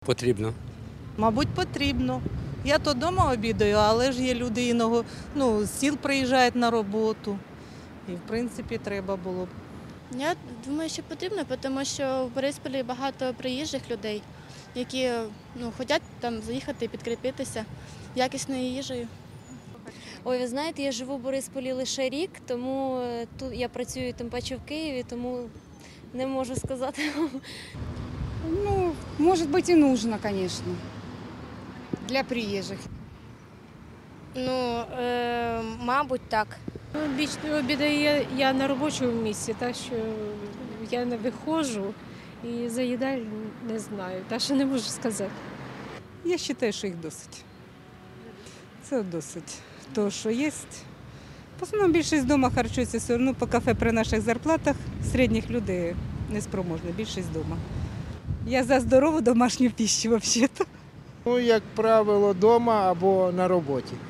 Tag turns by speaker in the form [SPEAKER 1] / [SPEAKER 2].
[SPEAKER 1] потрібно.
[SPEAKER 2] Мабуть, потрібно. Я то вдома обідаю, але ж є люди іного, з сіл приїжджають на роботу. І, в принципі, треба було б.
[SPEAKER 3] Я думаю, що потрібно, тому що в Борисполі багато приїжджих людей, які хочуть там заїхати і підкріпитися якісною їжею.
[SPEAKER 4] Ой, ви знаєте, я живу в Борисполі лише рік, тому тут я працюю тим паче в Києві, тому не можу сказати.
[SPEAKER 5] Ну, может быть и нужно, конечно, для приезжих.
[SPEAKER 3] Мабуть, так.
[SPEAKER 6] Більш обідаю я на робочому місці, так що я не виходжу і заїдаю не знаю, так що не можу сказати.
[SPEAKER 7] Я вважаю, що їх досить. Це досить. То, що є. В основному більшість вдома харчується все одно по кафе при наших зарплатах. Середніх людей неспроможна, більшість вдома. Я за здорову домашню пищу взагалі.
[SPEAKER 8] Ну, як правило, вдома або на роботі.